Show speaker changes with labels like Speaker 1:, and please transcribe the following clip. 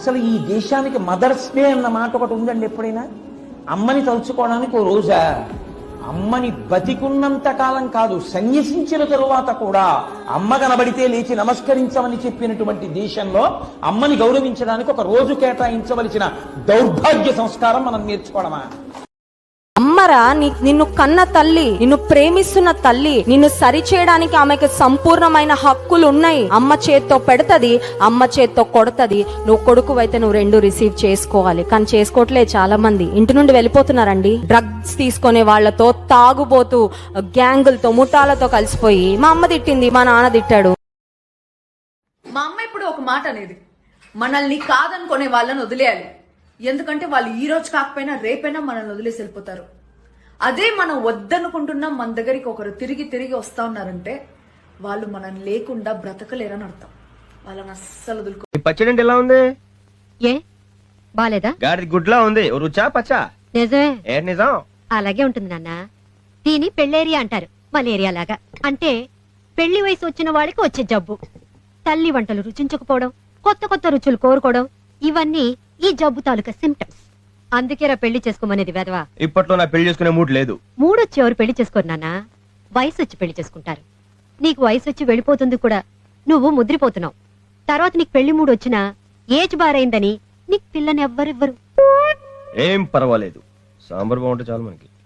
Speaker 1: అసలు ఈ దేశానికి మదర్స్ డే అన్న మాట ఒకటి ఉందండి. ఎప్పుడైనా అమ్మని తలుచుకోవడానికి ఓ రోజా? అమ్మని బతికున్నంత కాలం కాదు, సన్యసించిన తరువాత కూడా అమ్మ కనబడితే లేచి నమస్కరించమని చెప్పినటువంటి దేశంలో అమ్మని గౌరవించడానికి ఒక రోజు కేటాయించవలసిన దౌర్భాగ్య సంస్కారం మనం నేర్చుకోవడమా?
Speaker 2: అమ్మరా నిన్ను కన్న తల్లి, నిన్ను ప్రేమిస్తున్న తల్లి, నిన్ను సరిచేయడానికి ఆమెకు సంపూర్ణమైన హక్కులు ఉన్నాయి. అమ్మ చేత్తో పెడతది, అమ్మ చేత్తో కొడతది. నువ్వు కొడుకువైతే నువ్వు రెండు రిసీవ్ చేసుకోవాలి, కానీ చేసుకోవట్లే. చాలా మంది ఇంటి నుండి వెళ్ళిపోతున్నారండి. డ్రగ్స్ తీసుకునే వాళ్లతో, తాగుబోతూ గ్యాంగులతో, ముఠాలతో కలిసిపోయి మా అమ్మ తిట్టింది, మా నాన్న తిట్టాడు.
Speaker 3: మా అమ్మ ఇప్పుడు ఒక మాట అనేది, మనల్ని కాదనుకునే వాళ్ళని వదిలేయాలి. ఎందుకంటే వాళ్ళు ఈ రోజు కాకపోయినా రేపైనా మనల్ని వదిలేసి వెళ్ళిపోతారు. అదే మనం వద్దనుకుంటున్నాం, మన దగ్గరికి ఒకరు తిరిగి తిరిగి వస్తా ఉన్నారంటే వాళ్ళు మనం లేకుండా బ్రతకలేరని అర్థం. వాళ్ళని అస్సలు వదులుకో.
Speaker 4: పచ్చడి ఎలా ఉంది?
Speaker 5: ఏ బాలేదా?
Speaker 4: గాడి గుడ్లా ఉంది. రుచా పచ్చా?
Speaker 5: నిజమే.
Speaker 4: ఏ నిజం?
Speaker 5: అలాగే ఉంటుంది నాన్న. దీని పెళ్ళేరియా అంటారు, మలేరియా లాగా. అంటే పెళ్లి వయసు వచ్చిన వాళ్ళకి వచ్చే జబ్బు. తల్లి వంటలు రుచించకపోవడం, కొత్త కొత్త రుచులు కోరుకోవడం, ఇవన్నీ ఈ జబ్బు తాలూకా సిమ్టమ్స్. అందుకేరా పెళ్లి చేసుకోమనేది వెధవా.
Speaker 4: ఇప్పట్లో నా పెళ్లి చేసుకునే మూడ్ లేదు.
Speaker 5: మూడొచ్చి ఎవరు పెళ్లి చేసుకోరు నాన్న, వయసు వచ్చి పెళ్లి చేసుకుంటారు. నీకు వయసు వచ్చి వెళ్ళిపోతుంది కూడా, నువ్వు ముద్రిపోతున్నావు. తర్వాత నీకు పెళ్లి మూడు వచ్చినా ఏజ్ బారైందని నీకు పిల్లని ఎవ్వరివ్వరు.
Speaker 4: ఏం పర్వాలేదు, సాంబార్ బాగుంటే చాలు మనకి.